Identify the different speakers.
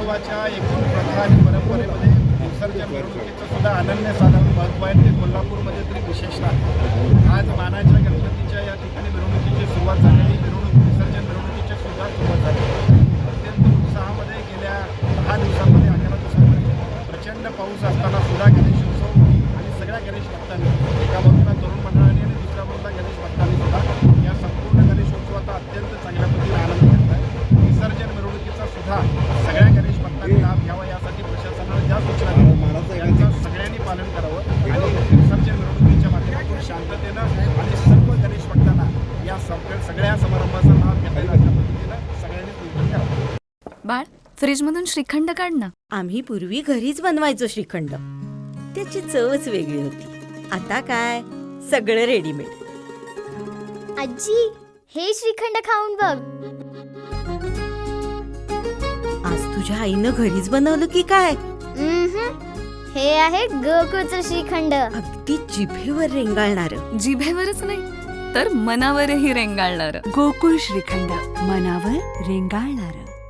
Speaker 1: हिंदुत्वाच्या एकूण प्रथा आणि परंपरेमध्ये विसर्जन मिरवणुकीचं सुद्धा अनन्यसाधारण महत्त्व आहे. ते कोल्हापूरमध्ये तरी विशेष आहे. आज मानाच्या गणपतीच्या या ठिकाणी मिरवणुकीची सुरुवात झालेली. विसर्जन मिरवणुकीची सुद्धा सुरुवात झाली. अत्यंत उत्साहामध्ये गेल्या 10 दिवसांमध्ये 11 दिवसांमध्ये प्रचंड पाऊस असताना सुद्धा गणेशोत्सव आणि सगळ्या गणेश भक्तांनी एका बाजूला तरुण मंडळाने आणि दुसऱ्या बाजूला गणेश भक्तांनी सुद्धा या संपूर्ण गणेशोत्सवाचा अत्यंत चांगल्या पद्धतीने आनंद घेतला आहे. विसर्जन मिरवणुकीचा सुद्धा सगळ्या गणेश भक्तांनी लाभ घ्यावा यासाठी प्रशासनाने ज्या सूचना दिल्या त्यांचं सगळ्यांनी पालन करावं आणि विसर्जन मिरवणुकीच्या माध्यमातून शांततेनं आणि सर्व गणेश भक्तांना या सगळ्या समारंभाचा लाभ घेता येईल अशा पद्धतीनं सगळ्यांनी नियोजन करावं.
Speaker 2: बाळ, फ्रीजमधून श्रीखंड काढ ना.
Speaker 3: आम्ही पूर्वी घरीच बनवायचो श्रीखंड. त्याची चवच वेगळी होती. आता काय सगळं रेडीमेड.
Speaker 4: आजी, हे श्रीखंड खाऊन बघ.
Speaker 3: आज तुझ्या आईनं घरीच बनवलं की काय?
Speaker 4: हे आहे गोकुळचं श्रीखंड.
Speaker 3: अगदी जिभेवर रेंगाळणार.
Speaker 2: जिभेवरच नाही तर मनावरही रेंगाळणार.
Speaker 5: गोकुळ श्रीखंड, मनावर रेंगाळणार.